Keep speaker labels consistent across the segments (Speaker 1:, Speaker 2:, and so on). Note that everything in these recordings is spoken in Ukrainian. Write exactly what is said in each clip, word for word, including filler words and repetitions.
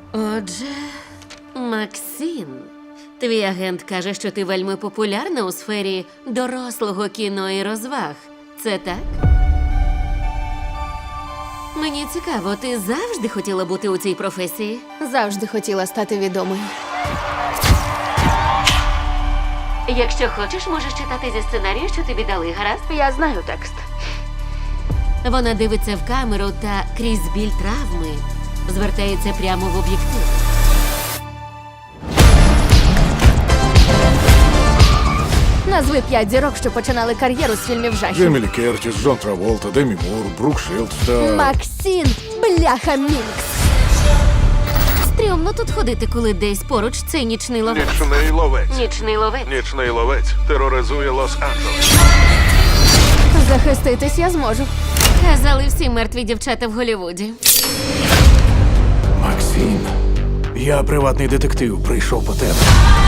Speaker 1: Отже, Максим, твій агент каже, що ти вельми популярна у сфері дорослого кіно і розваг. Це так? Мені цікаво, ти завжди хотіла бути у цій професії?
Speaker 2: Завжди хотіла стати відомою.
Speaker 1: Якщо хочеш, можеш читати зі сценарію, що тобі дали, гаразд?
Speaker 2: Я знаю текст.
Speaker 1: Вона дивиться в камеру та крізь біль травми звертається прямо в об'єктив.
Speaker 2: Назви п'ять зірок, що починали кар'єру з фільмів жахів.
Speaker 3: Джемілі Кертіс, Джон Траволта, Демі Мур, Брук Шилдс та...
Speaker 2: Максим, бляха Мінкс.
Speaker 1: Стрьомно тут ходити, коли десь поруч цей нічний ловець.
Speaker 4: Нічний ловець.
Speaker 1: Нічний ловець.
Speaker 4: Нічний ловець тероризує Лос-Анджелес.
Speaker 2: Захиститись я зможу.
Speaker 1: Казали всі мертві дівчата в Голлівуді.
Speaker 3: Максим, я приватний детектив, прийшов по тебе.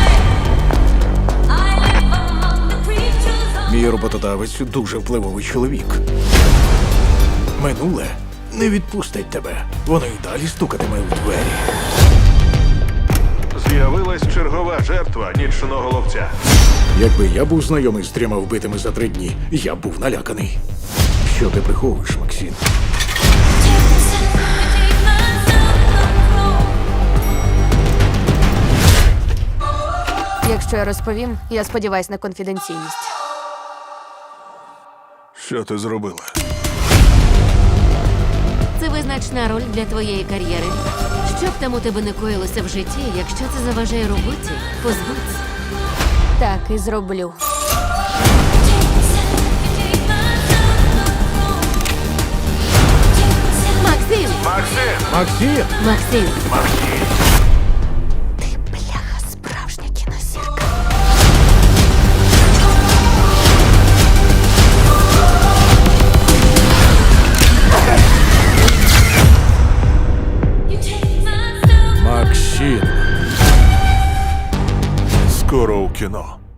Speaker 3: Мій роботодавець дуже впливовий чоловік. Минуле не відпустить тебе. Воно й далі стукатиме у двері.
Speaker 4: З'явилась чергова жертва нічного ловця.
Speaker 3: Якби я був знайомий з трьома вбитими за три дні, я б був наляканий. Що ти приховуєш, Максим?
Speaker 2: Якщо я розповім, я сподіваюсь на конфіденційність.
Speaker 4: Що ти зробила?
Speaker 1: Це визначна роль для твоєї кар'єри. Що б там у тебе не коїлося в житті, якщо це заважає роботі, позбудься.
Speaker 2: Так і зроблю.
Speaker 1: Максим!
Speaker 4: Максим!
Speaker 3: Максим!
Speaker 1: Максим!
Speaker 4: Максим!
Speaker 2: Ти, бляха, справжня кінозірка.
Speaker 3: Максим!
Speaker 4: Скоро у кіно.